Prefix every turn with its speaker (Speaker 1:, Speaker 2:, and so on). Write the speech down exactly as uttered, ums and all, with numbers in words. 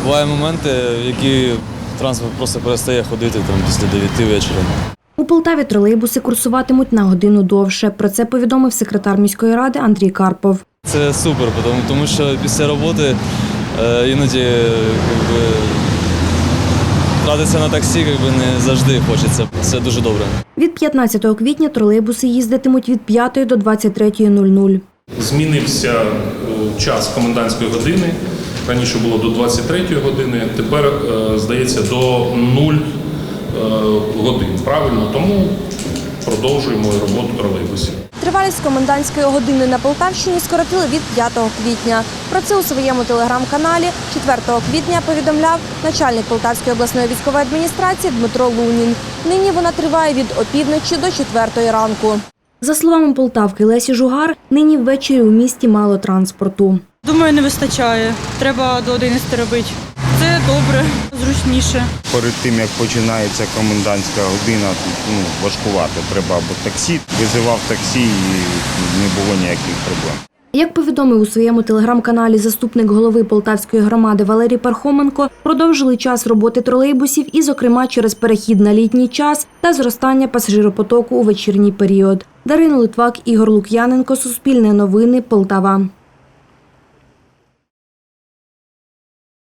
Speaker 1: Бувають моменти, в які транспорт просто перестає ходити там, після дев'яти вечора.
Speaker 2: У Полтаві тролейбуси курсуватимуть на годину довше. Про це повідомив секретар міської ради Андрій Карпов.
Speaker 1: Це супер, тому що після роботи е, іноді якби, тратитися на таксі якби, не завжди хочеться. Це дуже добре.
Speaker 2: Від п'ятнадцятого квітня тролейбуси їздитимуть від п'ятої до двадцять третьої нуль-нуль.
Speaker 3: Змінився час комендантської години. Раніше було до двадцять третьої години, тепер, здається, до нуль годин. Правильно? Тому продовжуємо роботу тролейбусів.
Speaker 4: Тривалість комендантської години на Полтавщині скоротили від п'ятого квітня. Про це у своєму телеграм-каналі четвертого квітня повідомляв начальник Полтавської обласної військової адміністрації Дмитро Лунін. Нині вона триває від опівночі до четвертої ранку.
Speaker 2: За словами полтавки Лесі Жугар, нині ввечері у місті мало транспорту.
Speaker 5: Думаю, не вистачає. Треба до одинадцяти робити. Це добре, зручніше.
Speaker 6: Перед тим, як починається комендантська година, ну, важкувато. Треба або таксі. Визивав таксі і не було ніяких проблем.
Speaker 2: Як повідомив у своєму телеграм-каналі заступник голови Полтавської громади Валерій Пархоменко, продовжили час роботи тролейбусів і, зокрема, через перехід на літній час та зростання пасажиропотоку у вечірній період. Дарина Литвак, Ігор Лук'яненко, Суспільне новини, Полтава.